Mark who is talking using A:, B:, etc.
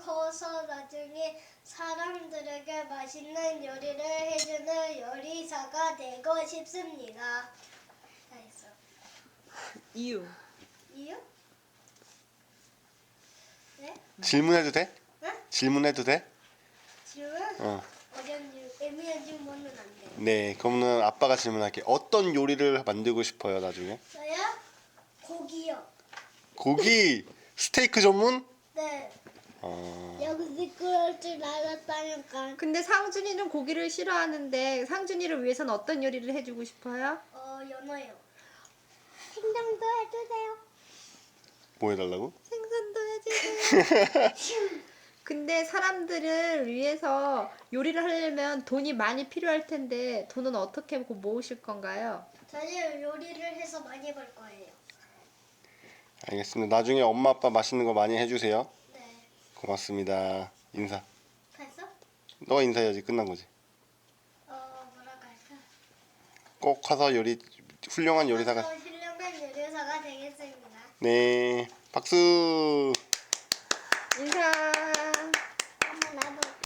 A: 커서 나중에 사람들에게 맛있는 요리를 해주는 요리사가 되고 싶습니다. 다 했어.
B: 이유.
A: 이유? 네?
C: 질문해도 돼?
A: 응?
C: 질문해도 돼?
A: 질문?
C: 어.
A: 애매한 질문은 안 돼.
C: 네, 그러면 아빠가 질문할게. 어떤 요리를 만들고 싶어요, 나중에?
A: 저요? 고기요.
C: 고기, 스테이크 전문?
A: 네.
C: 어,
A: 여기서 그럴 줄 알았다니까.
B: 근데 상준이는 고기를 싫어하는데 상준이를 위해서는 어떤 요리를 해주고 싶어요?
A: 연어요. 생강도 해주세요.
C: 뭐 해달라고?
B: 생선도 해주세요. 근데 사람들을 위해서 요리를 하려면 돈이 많이 필요할 텐데 돈은 어떻게 모으실 건가요?
A: 저는 요리를 해서 많이 벌 거예요.
C: 알겠습니다. 나중에 엄마 아빠 맛있는 거 많이 해주세요.
A: 네.
C: 고맙습니다. 인사.
A: 했어?
C: 너 인사해야지. 끝난 거지.
A: 뭐라고 할까?
C: 꼭 커서 훌륭한 요리사가.
A: 훌륭한 요리사가 되겠습니다.
C: 네, 박수.